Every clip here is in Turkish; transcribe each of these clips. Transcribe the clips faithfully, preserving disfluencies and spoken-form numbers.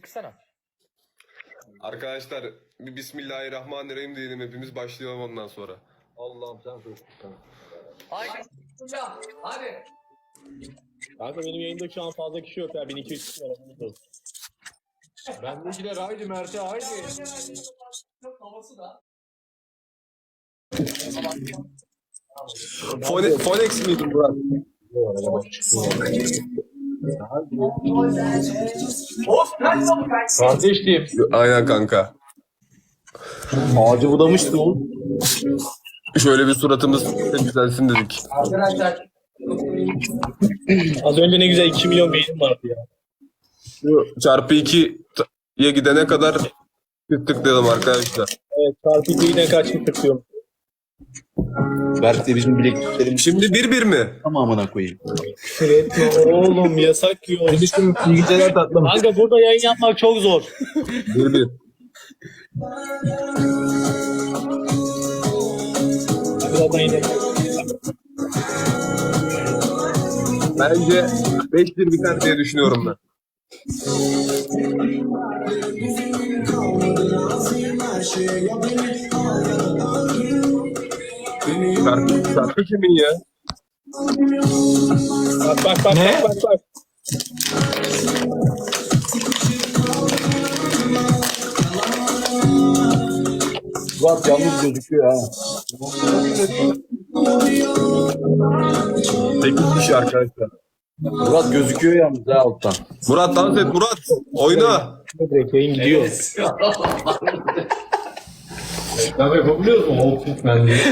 çıksana. Arkadaşlar bir Bismillahirrahmanirrahim diyelim, hepimiz başlayalım ondan sonra. Allah'ım sen çocuksun. Haydi. Hadi. Kanka benim yayında şu an fazla kişi yok ya. bin iki yüz kişi var. Bendekiler haydi Mert'e haydi. Havası da. Fone, Fonex miydi Murat? Kardeşim. Aynen kanka. Ağacı budamıştı o. Şöyle bir suratımız güzelsin dedik. Arkadaşlar. Az önce ne güzel iki milyon beynim vardı ya. Şu çarpı ikiye gidene kadar tıklayalım arkadaşlar. Evet, çarpı ikiyle kaçmış tıklıyorum. Berk de bizim bilekliklerimiz Şimdi bir bir mi? tamamına koyayım. Küfür etme oğlum, yasak yiyor. Kardeşim iyi geceler tatlım. Kanka burada yayın yapmak çok zor. bir bir. Birazdan yine. Bence beş bir biter diye düşünüyorum ben. Şarkı, şarkı kimin ya? Bak bak bak Ne? bak bak bak. Murat yalnız gözüküyor ha. sekiz kişi arkadaşlar. Murat gözüküyor yalnız ha alttan. Murat dans et Murat. Oyna. Direkt yayın gidiyor. Tabii yapabiliyoruz mu? Olsun ben diye.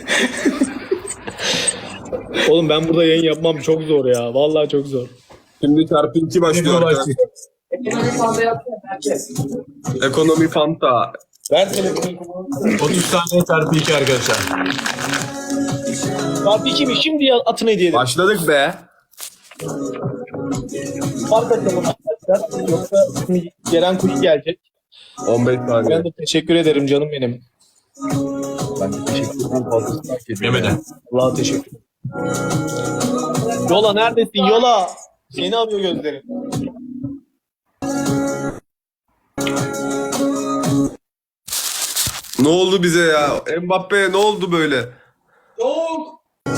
Oğlum ben burada yayın yapmam çok zor ya. Vallahi çok zor. Şimdi çarpı iki başlıyor arkadaşlar. Ekonomi fazla yapsana herkes. Ekonomi Fanta. Ver telefonu. otuz saniye çarpı iki arkadaşlar. Çarpı iki mi? Şimdi ya- atın hediye edelim. Başladık be. Fark atalım arkadaşlar. Yoksa şimdi gelen kuş gelecek. on beş saniye. Ben de teşekkür ederim canım benim. Ben de teşekkür ederim fazlasını hak ediyorum. Yemeden. Allah'a teşekkür ederim. Yola neredesin? Yola. Seni arıyor gözlerim. Ne oldu bize ya? Mbappe ne oldu böyle? Soğuk.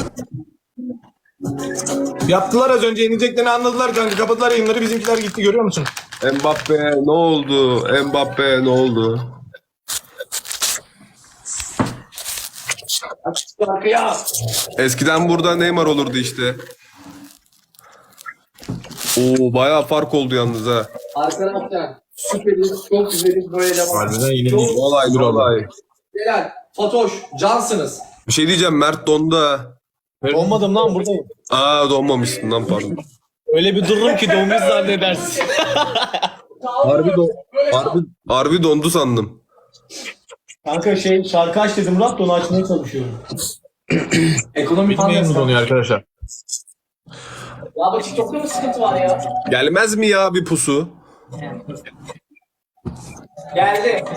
Yaptılar az önce, yeneceklerini anladılar kanka. Kapadılar yayınları, bizimkiler gitti, görüyor musun? Mbappe ne oldu? Mbappe ne oldu? Açık şarkıya. Eskiden burada Neymar olurdu işte. Oo bayağı fark oldu yalnız ha. Arkadaşlar. Süperiz. Çok güzeliz böyle devam. Harbiden yine Çok değil. Olay bir olay. Helal. Fatoş. Cansınız. Bir şey diyeceğim, Mert dondu ha. Olmadım lan, buradayım. Aa donmamışsın lan, pardon. Öyle bir dururum ki donmuş zannedersin. Harbi, don harbi, harbi dondu sandım. Kanka şey şarkı aç dedim Murat, onu açmaya çalışıyorum. Ekonomi Bitmeyen mi fazla. donuyor arkadaşlar? Ya bu TikTok'ta mı sıkıntı var ya? Gelmez mi ya bir pusu? Geldi.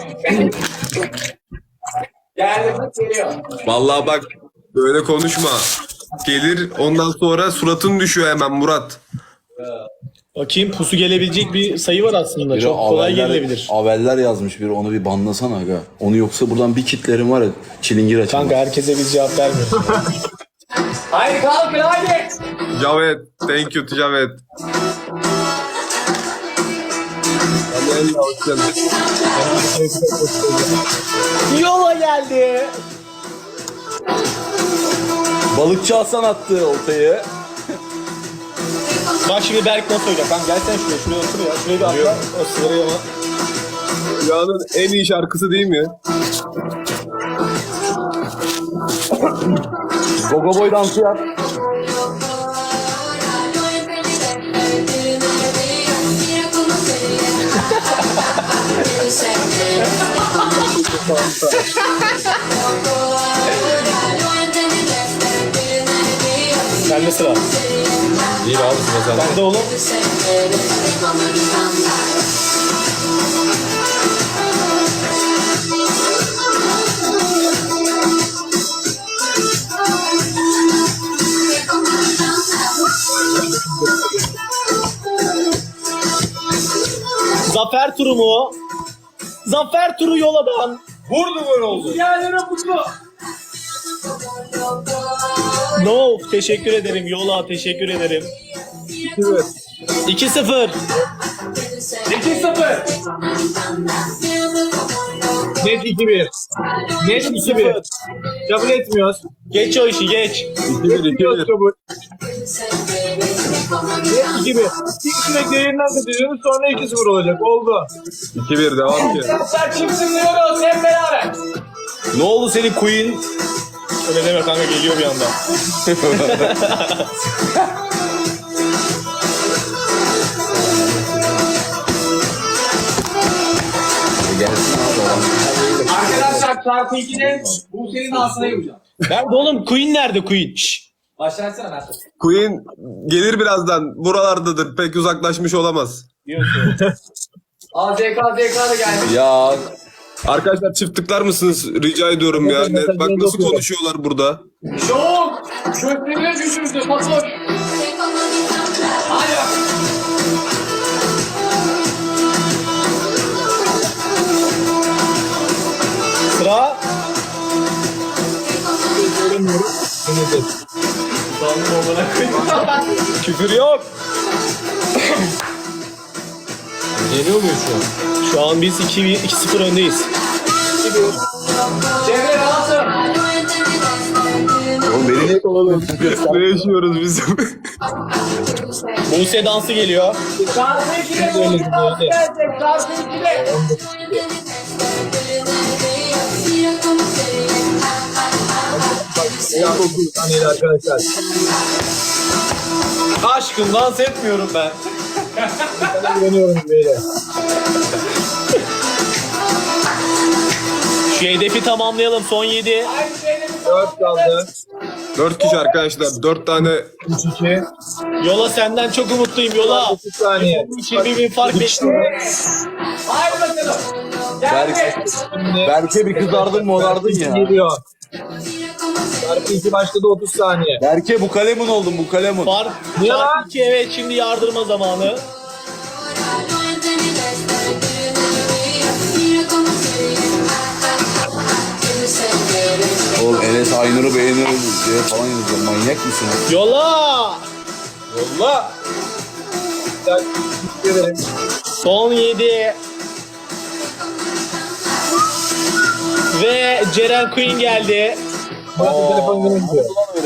Geldi. Bak geliyor. Vallahi bak böyle konuşma. Gelir ondan sonra suratın düşüyor hemen Murat. Bakayım, pusu gelebilecek bir sayı var aslında. Biri Çok kolay aveller- gelebilir. Aveller yazmış biri, onu bir banlasana aga. Onu yoksa buradan bir kitlerim var ya, çilingir açamaz. Kanka herkese biz cevap vermiyoruz. Haydi kalkın haydi. Cavet. Thank you Cavet. Hadi el hoşçakalın. Yola geldi. Balıkçı Hasan attı oltayı. Bak şimdi Berk nasıl oynayacak? Kanka gel sen şuraya, şuraya otur ya. Şuraya bir atla. O sırayı ama. Dünyanın en iyi şarkısı değil mi? Gogo boy dansı yap. Sende sıra. Değil abi, sıra sende. Sende oğlum. Zafer turu mu? Zafer turu Yola'dan. Vurdu gol oldu. Yani mutlu. No, teşekkür ederim Yola, teşekkür ederim. iki sıfır. iki sıfır. Net iki bir. Net iki bir. Kabul etmiyoruz. Geç o işi geç. iki bir iki Etmiyoruz bir. kabul. Net iki bir. İlk sürekli yayından katılıyoruz sonra iki sıfır olacak. Oldu. iki bir devam ki. Arkadaşlar kimsin diyoruz hep beraber. Ne oldu senin Queen? Öyle deme kanka, geliyor bir anda. Gelsin abi olan. Arkadaşlar çarpı ikinin bu senin ağzına yapacağım. Nerede oğlum? Queen nerede Queen? Şşş. Başlatsana Mert. Queen gelir birazdan. Buralardadır. Pek uzaklaşmış olamaz. Diyorsun. A Z K Z K da geldi. Ya Arkadaşlar çift tıklar mısınız? Rica ediyorum ya. Ne- bak nasıl konuşuyorlar burada. Şok. Köprüye düşürdü Fatoş. Hadi bak. Sıra. Küfür yok. Yeniyor muyuz şu an? Şu an biz iki sıfır öndeyiz. Çevre rahatım. oğlum beni niye kovalıyorsun? Ne yaşıyoruz biz? Buse dansı geliyor. Çarpı ikide bu dans gelecek. Çarpı ikide. dokuz saniyeli arkadaşlar. Aşkım dans etmiyorum ben. Sana güveniyorum böyle. Şu hedefi tamamlayalım. Son yedi. Aynı şeyde bir dört kaldı. Dört kişi arkadaşlar. Dört tane. üç iki. Yola senden çok umutluyum Yola. otuz saniye. yirmi bin fark bekliyorum. Haydi bakalım. Geldi. Şimdi Berke bir kızardın mı orardın ya. geliyor. Çarpı iki başladı otuz saniye. Berke bu kalemun oldun bu kalemun. Fark Niye lan? fark iki, evet, şimdi yardırma zamanı. Oğlum Enes Aynur'u beğeniyoruz diye falan yazıyor. Manyak mısınız? Yola. Yolla. Güzel. Teşekkür ederim. Son yedi. Ve Ceren Queen geldi. Murat'ın telefon yine gidiyor.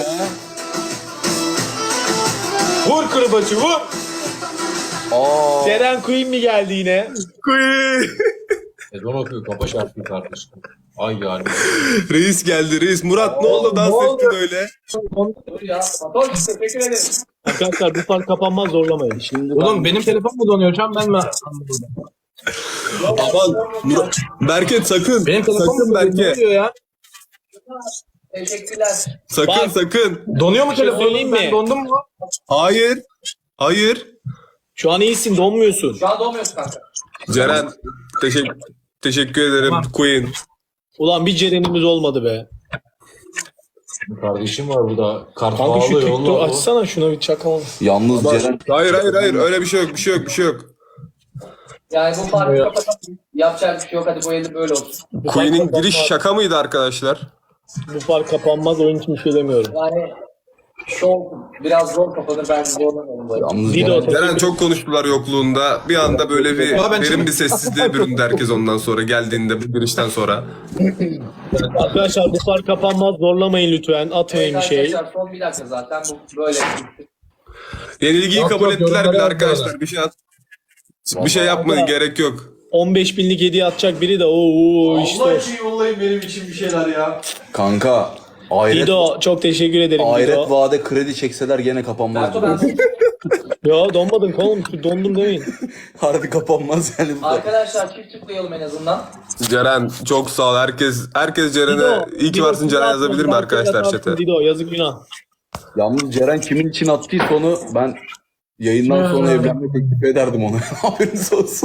Vur kırbaçı vur. Aa. Ceren Queen mi geldi yine? Queen. Ezan okuyor kafa şarkıyı kardeşim. Ay yani. Reis geldi reis. Murat ne oldu dans ne oldu? ettin öyle? Dur ya. Fatoş teşekkür ederim. Arkadaşlar bu fark kapanmaz, zorlamayın. Şimdi Oğlum benim telefon mu donuyor şu an ben mi anladım? Aman Murat. Berke sakın. Benim telefon Sakın mu Berke. donuyor ya? Teşekkürler. Sakın Bak. sakın. Donuyor mu şey telefonum? söyleyeyim Ben mi? dondum mu? Hayır. Hayır. şu an iyisin, donmuyorsun. Şu an doğmuyorsun kanka. Ceren teşekkür teşekkür ederim Queen. Ulan bir Ceren'imiz olmadı be. Kardeşim var burada. Kart Kanka şu bağlı TikTok yolla. açsana, şuna bir çakalım. Yalnız Ceren Hayır hayır hayır öyle bir şey yok bir şey yok bir şey yok. Yani bu farkı kapatalım. Yapacak bir şey yok. Hadi bu elde böyle olsun. Bu fark Queen'in kapanmaz. giriş şaka mıydı arkadaşlar? Bu fark kapanmaz, oyun için bir şey demiyorum. Yani şov biraz zor kapanır. Ben zorlamıyorum böyle. Yalnız Dido, Ceren Ceren çok konuştular yokluğunda. Bir anda böyle bir Ya ben derin çok- bir sessizliğe büründü herkes ondan sonra geldiğinde bu girişten sonra. Arkadaşlar bu fark kapanmaz, zorlamayın lütfen. Atmayın Evet bir şey. arkadaşlar son bir dakika zaten bu böyle. Yenilgiyi Yok, kabul yok, ettiler yorumlara bile yazıyorlar. arkadaşlar. Bir şey at. Bir şey yapmayın gerek yok. on beş binlik hediye atacak biri de ooo işte. Allah için yollayın benim için bir şeyler ya. kanka Ayret, Dido çok teşekkür ederim Ayret Dido. vade kredi çekseler gene kapanmaz. Berto ben Yo donmadın oğlum, dondum demeyin. Harbi kapanmaz yani. bu da. arkadaşlar çift tıklayalım en azından. Ceren çok sağ ol. Herkes herkes Ceren'e Dido, iyi ki Dido, varsın Ceren Dido, yazabilir mi Dido, arkadaşlar Dido, chat'e? Dido yazık günah. Yalnız Ceren kimin için attıysa onu ben yayından sonra evlenme teklif ederdim ona. Haberiniz olsun.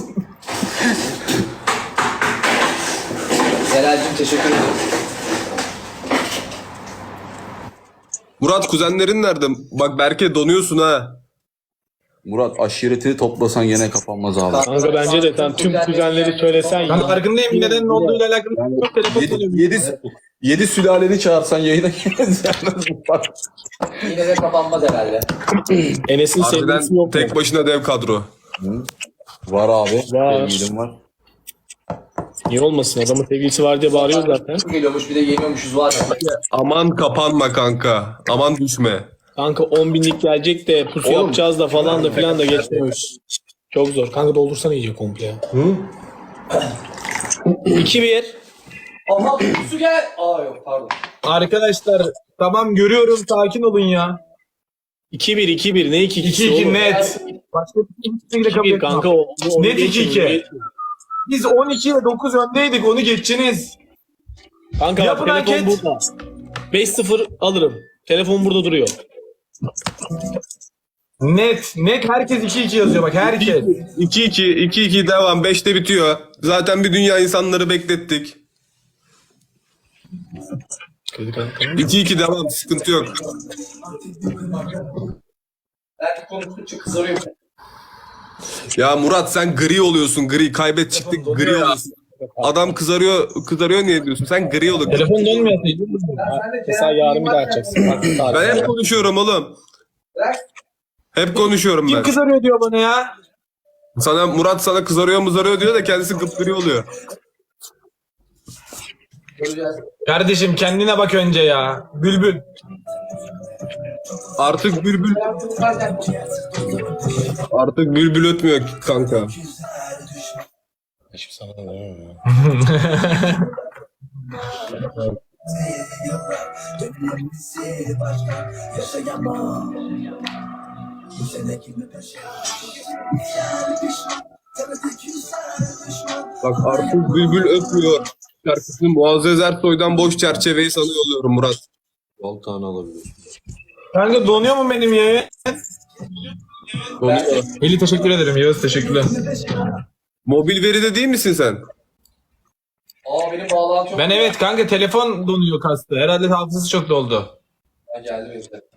Celal'cim teşekkür ederim. Murat kuzenlerin nerede? Bak Berke donuyorsun ha. Murat aşiretini toplasan yine kapanmaz abi. Kanka bence de sen tüm kuzenleri söylesen Ben ya. farkındayım neden ne olduğuyla alakalı çok telefon Yedi, çalıyor. yedi, yedi sülaleni çağırsan yayına geliriz. Yine de kapanmaz herhalde. Enes'in sevgilisi Harbiden yok. tek başına dev kadro. Var abi. Var. Sevgilim var. Niye olmasın? Adamın sevgilisi var diye bağırıyor zaten. Geliyormuş bir de yeniyormuşuz var ya. Aman kapanma kanka. Aman düşme. Kanka on binlik gelecek de pusu Oğlum. yapacağız da falan da filan da geçmiyoruz. Çok zor. Kanka doldursana iyice komple ya. iki bir. Aha su gel. Aa yok pardon. Arkadaşlar tamam görüyorum sakin olun ya. iki bir iki bir ne iki iki ikisi iki oğlum? net. Başka kimseyle kabul iki bir etmem. kanka o. o- Net o- iki iki. Biz on ikiye dokuz öndeydik onu geçeceğiniz. Kanka bak Yapın telefon anket. burada. beş sıfır alırım. Telefon burada duruyor. Net. Net herkes iki iki yazıyor bak herkes. iki iki iki iki devam. beşte bitiyor. Zaten bir dünya insanları beklettik. iki iki devam. Sıkıntı yok. Belki konuştukça kızarıyor. Ya Murat sen gri oluyorsun. Gri. Kaybet çıktık. Gri oluyorsun. Adam kızarıyor. Kızarıyor niye diyorsun? Sen gri ol. Telefon dönmüyor. Mesela yarın bir daha açacaksın. Bak, Ben hep konuşuyorum oğlum. Bırak. Hep konuşuyorum Kim ben. kızarıyor diyor bana ya. Sana Murat sana kızarıyor mızarıyor diyor da kendisi gıpgri oluyor. Göreceğiz. Kardeşim kendine bak önce ya. Bülbül. Artık bülbül artık bülbül ötmüyor kanka. Şimdi sana da demem ya. Bak artık bülbül ötmüyor. Şarkısını Muazzez Ersoy'dan boş çerçeveyi sana yolluyorum Murat. on tane alabilir. Kanka donuyor mu benim yayın? Donuyor. Eli teşekkür ederim. Yağız teşekkürler. Mobil veride değil misin sen? Aa benim bağlantı çok. Ben evet kanka telefon donuyor kastı. Herhalde hafızası çok doldu. Ha, geldi benim de.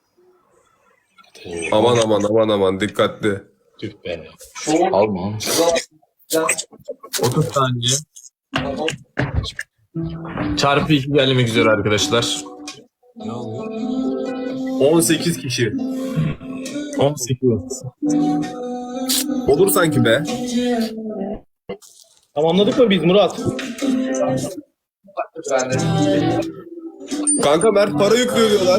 Aman aman aman aman dikkatli. Tüh be. Şov. Alma. otuz saniye. Çarpı iki gelmek üzere arkadaşlar. on sekiz kişi. on sekiz. Olur sanki be. Tamamladık mı biz Murat? Ben de. Kanka Mert para yüklüyor diyorlar.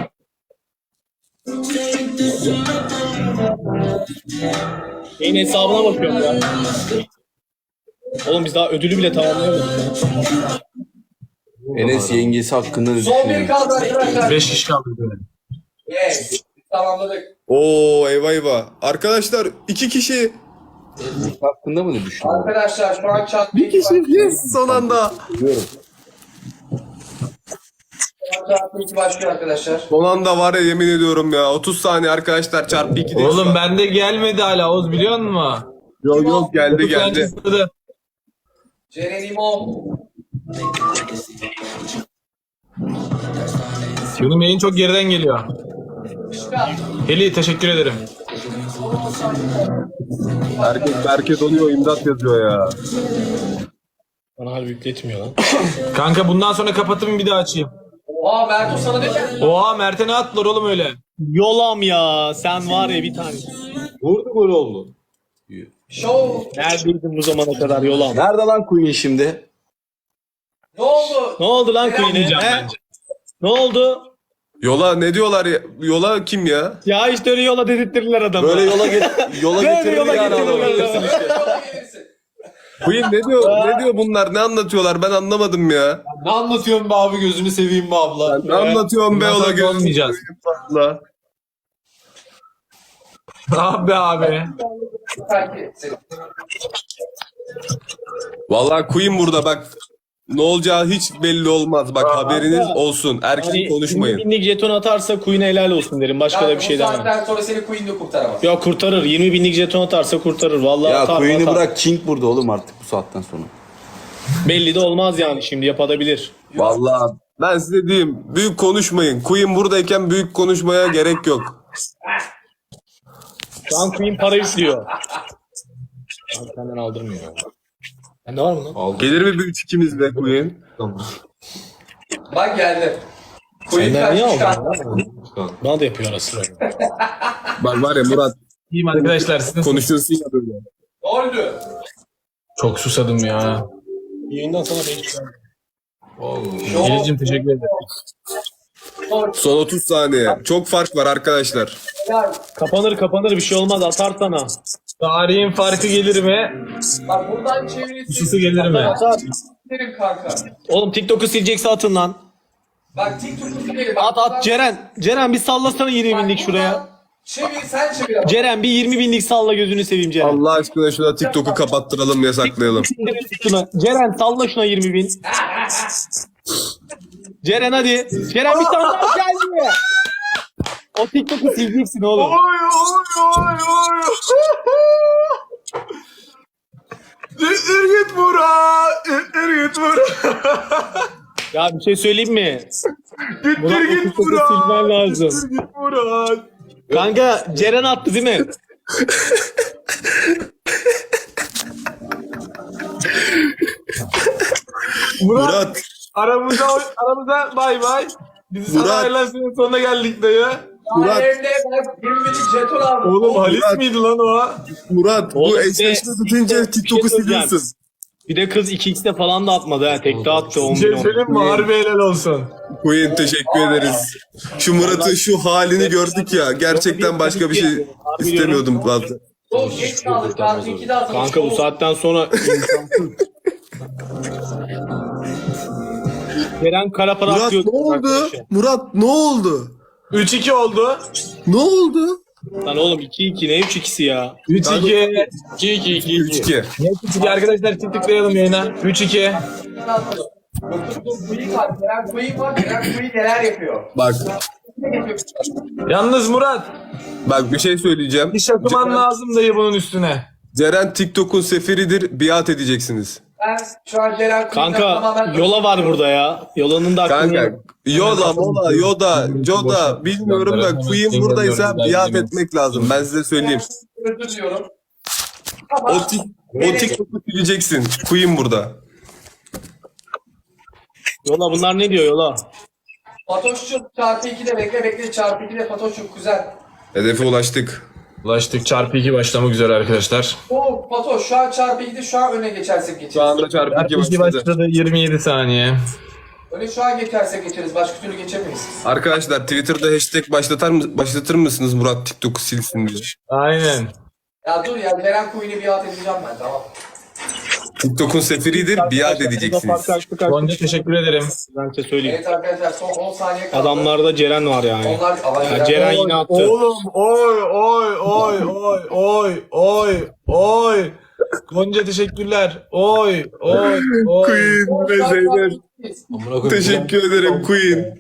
Şeyin hesabına bakıyorum ya. Oğlum biz daha ödülü bile tamamlayamadık ya. Enes yengesi hakkında ne Son bir düşünüyorsun? kaldı arkadaşlar. beş kişi kaldı. Yes. Tamamladık. Oo eyvah eyvah. Arkadaşlar iki kişi. Hakkında mı ne düşünüyorsun? Arkadaşlar şu an chat Bir kişi. Yes son anda. Biliyorum. Chat başlıyor arkadaşlar. Son anda var ya yemin ediyorum ya. otuz saniye arkadaşlar çarpı iki değil. Oğlum bende gelmedi hala Oğuz biliyor musun? Yok yok geldi otuz geldi. saniye sığdı. Ceren İmam. Benim yayın çok geriden geliyor. Çıkar. Heli teşekkür ederim. Herkes Berke donuyor imdat yazıyor ya. Bana harbi yükletmiyor lan. Kanka bundan sonra kapatayım bir daha açayım. Oha Mertu sana ne ki? Oha Mert'e ne attılar oğlum öyle? Yolam ya. Sen var ya bir tane. Vurdu gol oldu. Show. Neredeydin bu zamana kadar yolam? Nerede lan Queen şimdi? Ne oldu? Ne oldu lan Queen'e? Yapmayacağım He? bence. Ne oldu? Yola ne diyorlar ya? Yola kim ya? Ya işte öyle yola dedirttirirler adamı. Böyle yola get yola Böyle getirir yola yani getirirler adamı. adamı. Yola gelirsin. Queen ne diyor? Ne diyor bunlar? Ne anlatıyorlar? Ben anlamadım ya. Ne anlatıyorsun be abi gözünü seveyim be abla. Ne anlatıyorsun be Bundan ola sonra gözüm. olmayacağız. Abi abi. Belki seni. Vallahi Queen burada bak. Ne olacağı hiç belli olmaz. Bak haberiniz olsun. Erken Hani konuşmayın. yirmi binlik jeton atarsa Queen'e helal olsun derim. Başka da bir şey Bu demem. saatten sonra seni Queen'de kurtaramaz. Ya kurtarır. yirmi binlik jeton atarsa kurtarır. Vallahi Ya atar, Queen'i atar. bırak King burada oğlum artık bu saatten sonra. Belli de olmaz yani şimdi yapabilir. Vallahi ben size diyeyim. Büyük konuşmayın. Queen buradayken büyük konuşmaya gerek yok. Şu an Queen para yüklüyor. Abi senden aldırmıyor. Sende var mı lan? Gelir mi bir üç ikimiz be Queen? Bak geldi. Koyun Senden niye kaçmış aldın? kanka. lan? Bana da yapıyor ara sıra. Bak var ya Murat İyiyim arkadaşlar. Sizin konuşuyorsun ya böyle. Ne oldu? çok susadım ya. Yayından sana beş Geleceğim teşekkür ederim. Son otuz saniye. Çok fark var arkadaşlar. Ya, Kapanır kapanır bir şey olmaz atar sana. Tarihin farkı gelir mi? bak buradan çevirisi. Susu gelir mi? Atar. Derim kanka. Oğlum TikTok'u silecekse atın lan. Bak TikTok'u gidelim. At at Ceren. Ceren bir sallasana yirmi binlik şuraya. Çevir sen çevir ama. Ceren bir yirmi binlik salla gözünü seveyim Ceren. Allah aşkına şuna TikTok'u kapattıralım, yasaklayalım. Şuna. Ceren salla şuna yirmi bin. Ceren hadi. Ceren bir tane daha geldi. O TikTok'u sileceksin oğlum. Oy oy oy oy. Ürgüt Murat. Ürgüt Murat. Ya bir şey söyleyeyim mi? Murat o Ürgüt TikTok'u Murat. silmen lazım. Ürgüt Murat. Kanka Ceren attı değil mi? Murat. Murat. Aramıza aramıza bay bay. Biz Murat. sana ayrılan sonuna geldik dayı. Murat. Murat. Evde bak yirmi binlik jeton aldım. Oğlum Halis Murat. miydi lan o? Murat Oğlum bu bir de- eşleşme tutunca bir şey TikTok'u söyleyeceğim. siliyorsun. Bir de kız iki x'te falan da atmadı ha. Tekte attı on Bir bin şey on. söyleyeyim mi? Harbi helal olsun. Queen teşekkür ederiz. Şu Murat'ın şu halini gördük ya. Gerçekten başka bir şey istemiyordum fazla. Oğlum geç kaldık. Saat ikide atılmış. Kanka bu saatten sonra imkansız. Ceren kara para Murat atıyor. ne oldu? Murat ne oldu? üç iki oldu. Ne oldu? Lan oğlum iki iki ne üç ikisi ya? üç iki. iki iki iki üç iki. üç iki arkadaşlar tıklayalım yayına. üç iki. Queen var. Ceren Queen var. Ceren Queen neler yapıyor? Bak Yalnız Murat. bak bir şey söyleyeceğim. Bir şakıman Ceren, lazım dayı bunun üstüne. Ceren TikTok'un seferidir. Biat edeceksiniz. Ben şu an Ceren Queen'den Kanka tamamen... yola var burada ya. Yolanın da aklını Kanka Yoda, Mola, Yoda, Joda bilmiyorum da Queen buradaysa biat etmek lazım. Ben size söyleyeyim. Özür diliyorum. O, tik, o TikTok'u sileceksin. Queen burada. Yola bunlar ne diyor yola? Fatoş'cum çarpı ikide bekle bekle çarpı ikide Fatoş'cum kuzen. Hedefe ulaştık. Ulaştık çarpı iki başlamak üzere arkadaşlar. Oo Fatoş şu an çarpı ikide şu an öne geçersek geçeriz. Şu anda çarpı iki Çarpı iki başladı. başladı yirmi yedi saniye. Öne şu an geçersek geçeriz. Başka türlü geçemeyiz. Arkadaşlar Twitter'da hashtag başlatar mı, başlatır mısınız Murat TikTok'u silsin diye. Aynen. Ya dur ya Ceren Queen'i biat edeceğim ben tamam. TikTok'un seferidir, biat edeceksiniz. Gonca teşekkür ederim. Ben size söyleyeyim. Evet arkadaşlar son on saniye kaldı. Adamlarda Ceren var yani. Onlar ama Ya Ceren yine attı. Oğlum oy oy oy oy oy oy oy. Gonca teşekkürler. Oy oy oy. Queen ve Zeynep. Teşekkür ederim Queen.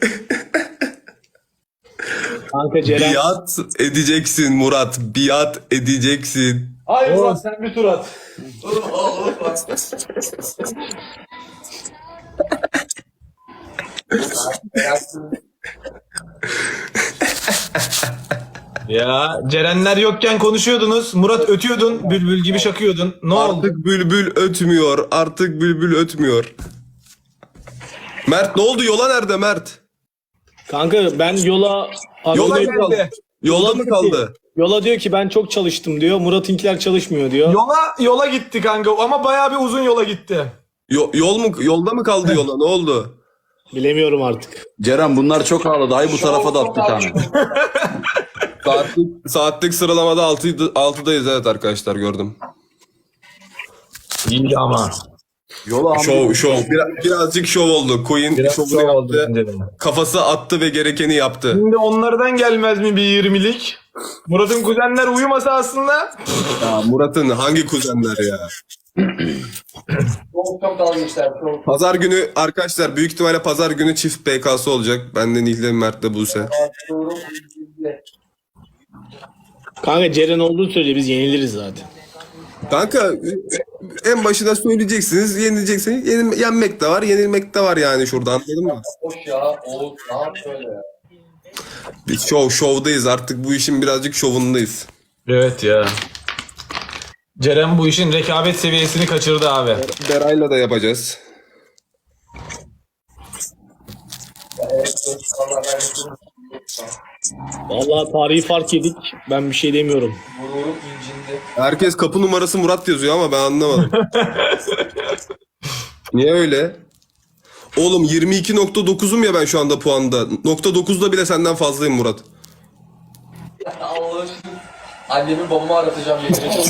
Kanka Ceren. Biat edeceksin Murat, biat edeceksin. Hayır Oğlum Murat. sen bir tur at. Oğlum oğlum bak. Ya Cerenler yokken konuşuyordunuz. Murat ötüyordun. Bülbül gibi şakıyordun. Ne oldu? Artık bülbül ötmüyor, artık bülbül ötmüyor. Mert ne oldu? Yola nerede Mert? Kanka ben yola... Yola Yola, geldi. Yolda mı kaldı? yola diyor ki ben çok çalıştım diyor. Murat'ınkiler çalışmıyor diyor. Yola yola gitti kanka ama bayağı bir uzun yola gitti. Yo- yol mu yolda mı kaldı yola? Ne oldu? Bilemiyorum artık. Ceren bunlar çok ağladı. Hay bu tarafa da at bir tane. Saatlik, saatlik sıralamada altı, altıdayız evet arkadaşlar gördüm. İyi ama. Yola Şov şov. Biraz, birazcık şov oldu. Queen Biraz şovunu zor oldu yaptı. bence de. Kafası attı ve gerekeni yaptı. Şimdi onlardan gelmez mi bir yirmilik? Murat'ın kuzenler uyumasa aslında. Ya Murat'ın hangi kuzenler ya? Çok çok dalga geçtiler. Çok. Pazar günü arkadaşlar büyük ihtimalle pazar günü çift P K'sı olacak. Benden İlhan Mert'le Buse. Doğru. Kanka Ceren olduğu sürece biz yeniliriz zaten. Kanka en başına söyleyeceksiniz, yenileceksiniz. Yenil, yenmek de var, yenilmek de var yani şurada anladın mı? Hoş ya. Oğuz ne yap böyle ya? Biz şov, şovdayız artık bu işin birazcık şovundayız. Evet ya. Ceren bu işin rekabet seviyesini kaçırdı abi. Beray'la da yapacağız. Vallahi tarihi fark yedik. Ben bir şey demiyorum. Gururum incindi. Herkes kapı numarası Murat yazıyor ama ben anlamadım. Niye öyle? Oğlum yirmi iki nokta dokuzum ya ben şu anda puanda. Nokta dokuzda bile senden fazlayım Murat. Allah aşkına. Annemi babamı aratacağım. Getireceğim.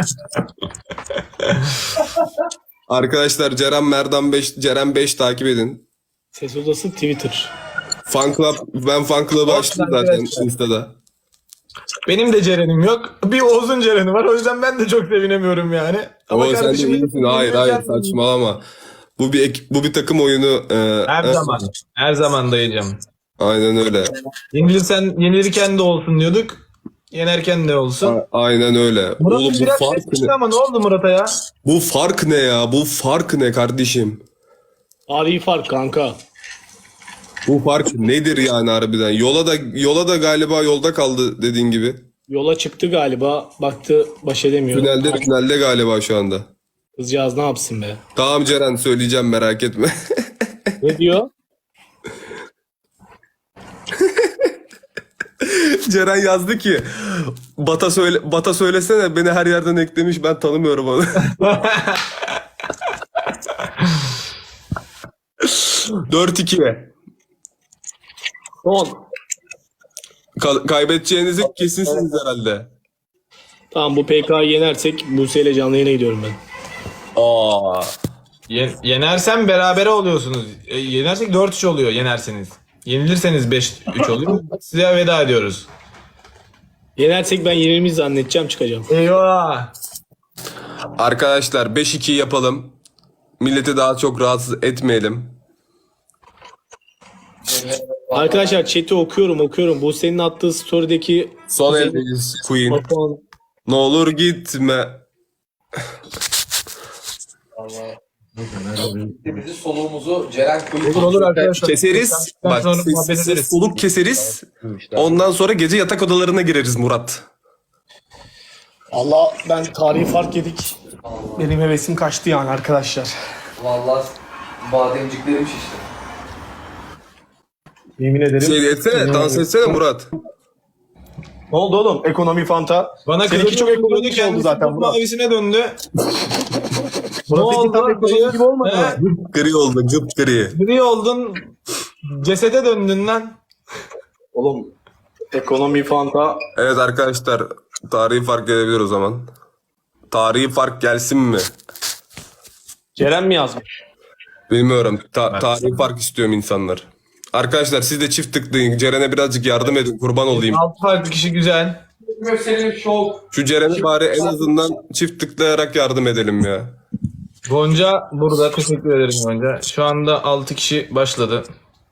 Arkadaşlar Ceren Merdan beş, Ceren beş takip edin. Ses odası Twitter. Fan club, ben fan club'ı açtım zaten Insta'da. Benim de Ceren'im yok. Bir Oğuz'un Ceren'i var. O yüzden ben de çok sevinemiyorum yani. Ama sen de kardeşim, iyisin. Hayır hayır saçmalama. Bu bir ek- bu bir takım oyunu. e, Her e, zaman. Her zaman dayıcım. Aynen öyle. Yenilirsen, yenilirken de olsun diyorduk. Yenerken de olsun. A- Aynen öyle. Murat'ın Oğlum bu biraz fark geçmişti ne? ama ne oldu Murat'a ya? Bu fark ne ya? Bu fark ne kardeşim? Tarihi fark kanka. Bu fark nedir yani harbiden? Yola da yola da galiba yolda kaldı dediğin gibi. Yola çıktı galiba. Baktı baş edemiyor. Tünelde tünelde galiba şu anda. Kızcağız ne yapsın be? Tamam Ceren söyleyeceğim merak etme. Ne diyor? Ceren yazdı ki Bata söyle Bata söylesene beni her yerden eklemiş ben tanımıyorum onu. dört iki. Son. Ka- kaybedeceğinizi kesinsiniz herhalde. Tamam bu P K'yı yenersek Buse ile canlı yayına gidiyorum ben. Aa. Ye- yenersen berabere oluyorsunuz. E, yenersek dört üç oluyor yenerseniz. Yenilirseniz beş üç oluyor. Size veda ediyoruz. Yenersek ben yenilmiş zannedeceğim çıkacağım. Eyvah. Arkadaşlar beş iki yapalım. Milleti daha çok rahatsız etmeyelim. Arkadaşlar chat'i okuyorum okuyorum. Buse'nin attığı story'deki Son eldeyiz Queen. Batuhan. Ne olur gitme. Bizi soluğumuzu Ceren Kuyuk. Olur olur arkadaşlar. Keseriz. Bak Sonra ses, muhabbet ses, ederiz. soluk keseriz. Ondan sonra gece yatak odalarına gireriz Murat. Allah ben tarihi fark yedik. Benim hevesim kaçtı yani arkadaşlar. Vallahi bademciklerim şişti. Yemin ederim. Şey etsene, dans etsene Murat. Ne oldu oğlum? Ekonomi fanta. Bana Seninki kılıcı çok çok ekonomik ekonomik oldu oldu zaten zaten. Murat. Mavisine döndü. ne Murat tam oldu? ekonomik gibi olmadı mı? He? Gri oldu, gıp gri. Gri oldun. Cesede döndün lan. Oğlum ekonomi fanta. Evet arkadaşlar, tarihi fark gelebilir o zaman. Tarihi fark gelsin mi? Ceren mi yazmış? Bilmiyorum. Ta- tarihi fark istiyorum insanlar. Arkadaşlar siz de çift tıklayın. Ceren'e birazcık yardım edin. Kurban olayım. Altı farklı kişi güzel. Senin şov. Şu Ceren'e bari en azından çift tıklayarak yardım edelim ya. Gonca burada. Teşekkür ederim Gonca. Şu anda altı kişi başladı.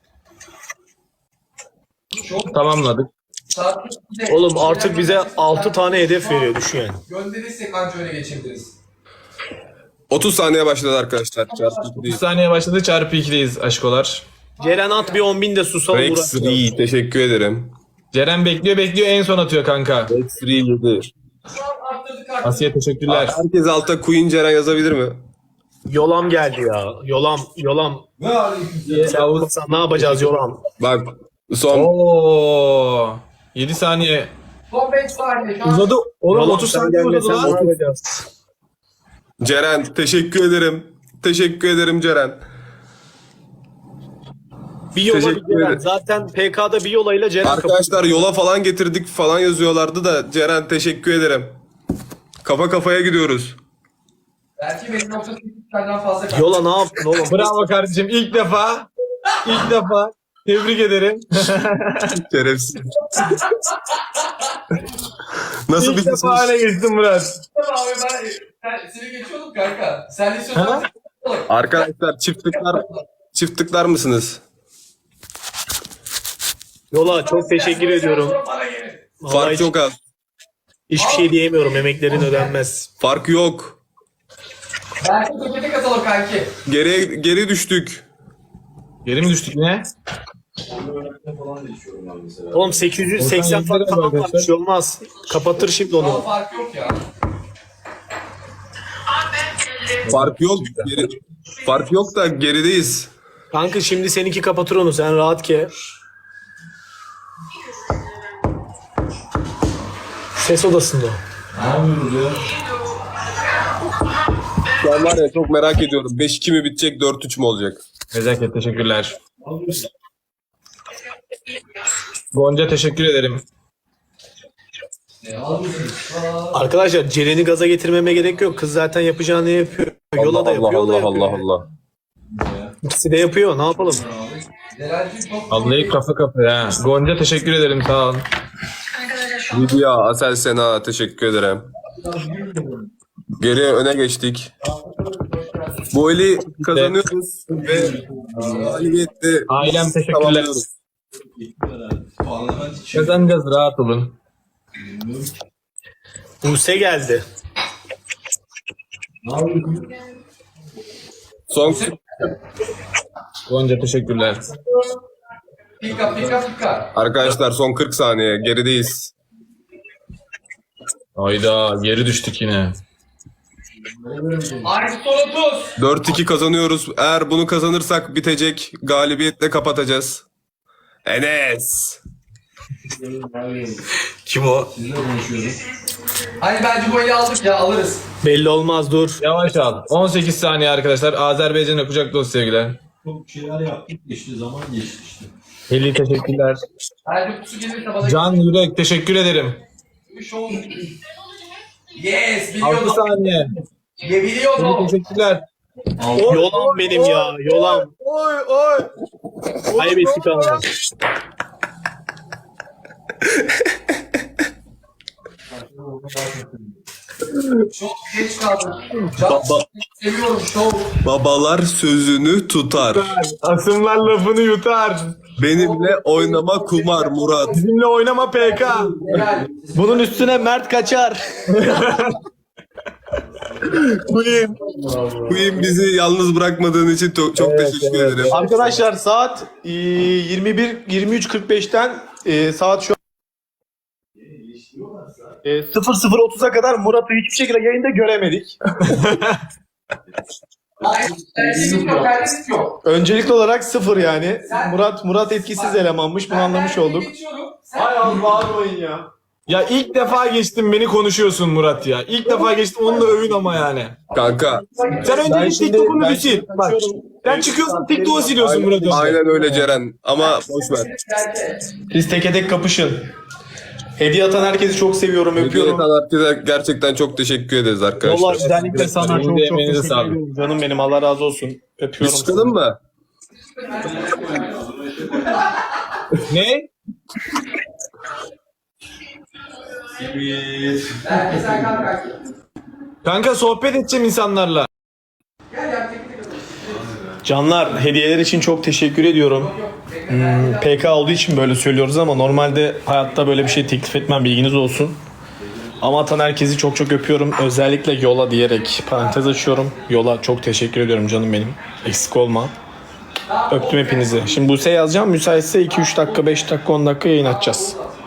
Tamamladık. Oğlum artık bize altı tane hedef veriyor düşün yani. Gönderirsek anca öne geçebiliriz. otuz saniye başladı arkadaşlar. Çarpı iki üç değil. saniye başladı. Çarpı ikideyiz aşkolar. Ceren at bir on bin de susalım Rex uğraşmayalım. Ree, teşekkür ederim. Ceren bekliyor bekliyor en son atıyor kanka. Rex Ree yedi. Arttırdık artık. Asiye teşekkürler. Herkes alta Queen Ceren yazabilir mi? Yolam geldi ya. Yolam, yolam. Ne aleyküm. Sen olursan ne yapacağız yolam? Bak son Oo. yedi saniye. Son beş saniye. Şu an Uzadı. Oğlum Yolam, otuz sen saniye uzadı gelmesen ne lan. yapacağız? Ceren teşekkür ederim. Teşekkür ederim Ceren. Bir yola bir Teşekkür Ceren. ederim. Zaten P K'da bir yolayla Ceren kapı. Arkadaşlar yola falan getirdik falan yazıyorlardı da Ceren teşekkür ederim. Kafa kafaya gidiyoruz. belki benim nokta sekizden fazla kaldı. Yola ne yaptın oğlum? Bravo kardeşim. İlk defa. İlk defa. Tebrik ederim. Şerefsiz. Nasıl İlk bir defa öne geçtin Murat. Tamam abi ben sen, seni geçiyordum kanka. Sen de istiyorsan Arkadaşlar çiftlikler çiftlikler mısınız? Yola çok teşekkür ediyorum. Bana gelin. Vallahi Fark hiç- çok az. Hiçbir şey diyemiyorum. Emeklerin ödenmez. Fark yok. Belki tepede katalım kanki. Geriye geri düştük. Geri mi düştük ne? Oğlum sekiz yüz seksen fark falan var. Bir şey olmaz. Kapatır şimdi Ama onu. fark yok ya. Fark yok. Geri, fark yok da gerideyiz. Kanka şimdi seninki kapatır onu. Sen rahat ke. Ses odasında o. Şu an var ya çok merak ediyorum. beş iki mi bitecek, dört üç mü olacak? Nezaket teşekkürler. Gonca teşekkür ederim. Arkadaşlar Ceren'i gaza getirmeme gerek yok. Kız zaten yapacağını yapıyor. Yola da Allah yapıyor, o da Allah yapıyor. Allah Allah. İkisi de yapıyor. Ne yapalım? Ceren'cim çok Vallahi kafa kafaya. Gonca teşekkür ederim sağ ol. Lidya, Asel Sena teşekkür ederim. Geriye öne geçtik. Bu eli kazanıyoruz ve galibiyette Ailem teşekkürler. tamamlıyoruz. Kazanacağız rahat olun. Buse geldi. Son Gonca teşekkürler. pika pika pika. arkadaşlar son kırk saniye gerideyiz. Hayda geri düştük yine. Artı son otuz. dört iki kazanıyoruz. Eğer bunu kazanırsak bitecek. Galibiyetle kapatacağız. Enes. Kim o? Hani bence bu eli aldık ya, alırız. Belli olmaz, dur. Yavaş al. on sekiz saniye arkadaşlar. Azerbaycan'a kucak dolu sevgiler. Çok şeyler yaptık geçti zaman geçti işte. Heli teşekkürler. Bence kutusu gelirse bana Can Yürek teşekkür ederim. bir şov. Yes, altı biliyordum. saniye. Ya biliyordum. Heli teşekkürler. Yolam benim ya. Yolam. Oy oy. Kaybettik ama. Çok geç kaldım. Can, seviyorum şov. Babalar sözünü tutar. Asımlar lafını yutar. Benimle oynama kumar Murat. Bizimle oynama P K. Gel. Bunun üstüne Mert kaçar. Queen. Queen bizi yalnız bırakmadığın için çok, çok teşekkür ederim. Arkadaşlar saat e, yirmi bir yirmi üç kırk beşten e, saat şu e, sıfır sıfır otuza kadar Murat'ı hiçbir şekilde yayında göremedik. Hayır, erkeklik yok, erkeklik yok. Öncelikli olarak sıfır yani. Sen- Murat Murat etkisiz elemanmış. Bunu anlamış olduk. Sen Hay Allah, bağırmayın ya. Ya ilk defa geçtim beni konuşuyorsun Murat ya. İlk defa geçtim onu da övün ama yani. Kanka Sen önce bir TikTok'unu bir sil. Bak. Sen çıkıyorsun TikTok'u siliyorsun Murat önce. aynen öyle Ceren ama boş ver. Siz teke tek kapışın. Hediye atan herkesi çok seviyorum, Hediye öpüyorum. eden herkese gerçekten çok teşekkür ederiz Vallahi arkadaşlar. özellikle sana çok çok Emeğinize teşekkür sağlık. ediyorum. Canım benim, Allah razı olsun. Biz Öpüyorum. çıkalım mı? Ne? Belki sen kalk kalk. Kanka sohbet edeceğim insanlarla. Gel ya, tek tek. Canlar, hediyeler için çok teşekkür ediyorum. Hmm, P K olduğu için böyle söylüyoruz ama normalde hayatta böyle bir şey teklif etmem, bilginiz olsun. Ama atan herkesi çok çok öpüyorum. Özellikle Yola diyerek parantez açıyorum. Yola çok teşekkür ediyorum canım benim. Eksik olma. Öptüm hepinizi. Şimdi Buse yazacağım. Müsaitse iki üç dakika, beş dakika, on dakika yayın açacağız.